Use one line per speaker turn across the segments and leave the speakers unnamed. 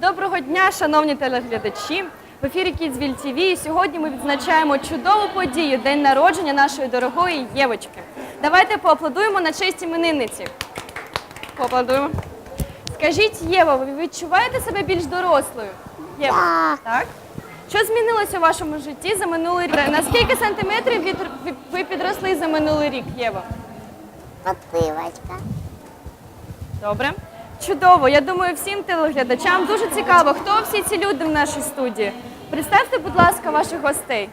Доброго дня, шановні телеглядачі! В ефірі Kidsville TV і сьогодні ми відзначаємо чудову подію – день народження нашої дорогої Євочки. Давайте поаплодуємо на честь іменинниці. Поаплодуємо. Скажіть, Єва, ви відчуваєте себе більш дорослою? Єва, так? Що змінилося у вашому житті за минулий рік? На скільки сантиметрів ви підросли за минулий рік, Єва?
Попивочка.
Добре. Чудово. Я думаю, всім телеглядачам дуже цікаво, хто всі ці люди в нашій студії. Представте, будь ласка, ваших гостей.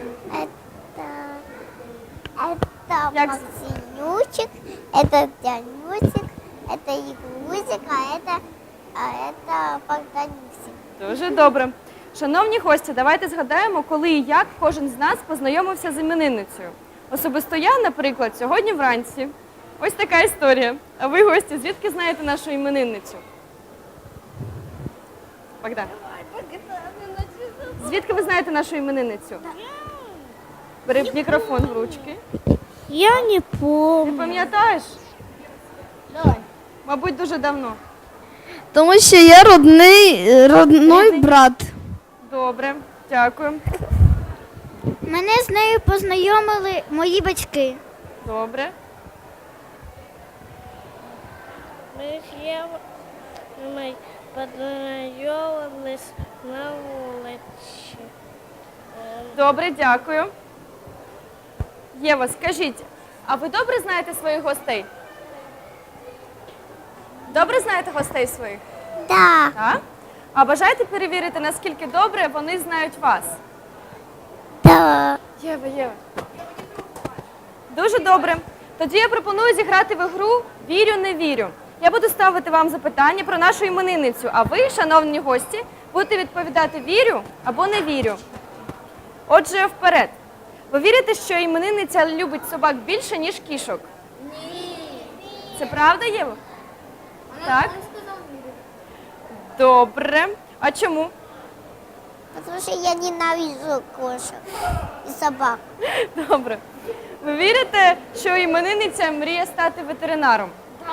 Это Максимючик, это Дянюсик, это Ягузик, а это Богданюсик.
Дуже добре. Шановні гості, давайте згадаємо, коли і як кожен з нас познайомився з іменинницею. Особисто я, наприклад, сьогодні вранці. Ось така історія. А ви, гості, звідки знаєте нашу іменинницю? Богдан. Звідки ви знаєте нашу іменинницю? Бери мікрофон в ручки.
Я не
Ти
помню.
пам'ятаєш? Мабуть, дуже давно.
Тому що я родний брат.
Добре, дякую.
Мене з нею познайомили мої батьки.
Добре.
Ми з Євою познайомились на вулиці.
Добре, дякую. Єва, скажіть, а ви добре знаєте своїх гостей? Добре знаєте гостей своїх?
Да.
Так? А бажаєте перевірити, наскільки добре вони знають вас?
Да.
Єва. Дуже добре. Тоді я пропоную зіграти в ігру «Вірю, не вірю». Я буду ставити вам запитання про нашу іменинницю, а ви, шановні гості, будете відповідати «вірю» або «не вірю». Отже, вперед. Ви вірите, що іменинниця любить собак більше, ніж кішок? Ні. Це правда, Єва? Так? Добре. А чому?
Потому что я ненавижу кошек и собак.
Добре. Ви вірите, що іменинниця мріє стати ветеринаром?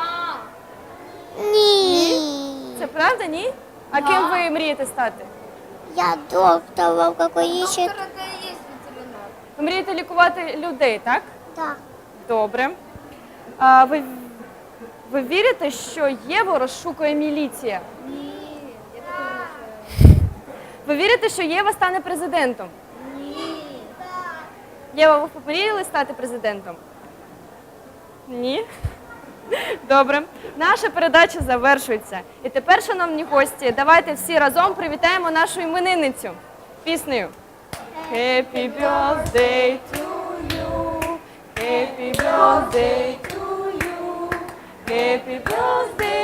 Ні.
Це правда, ні? А ким ви мрієте стати?
Я доктором какой ищет.
Ви мрієте лікувати людей, так?
Да.
Добре. А ви вірите, що Єву розшукує міліція? Ні. Ви вірите, що Єва стане президентом? Ні. Єва, ви помріяли стати президентом? Ні? Добре. Наша передача завершується. І тепер, шановні гості, давайте всі разом привітаємо нашу іменинницю піснею. Happy birthday to you, happy birthday to you, happy birthday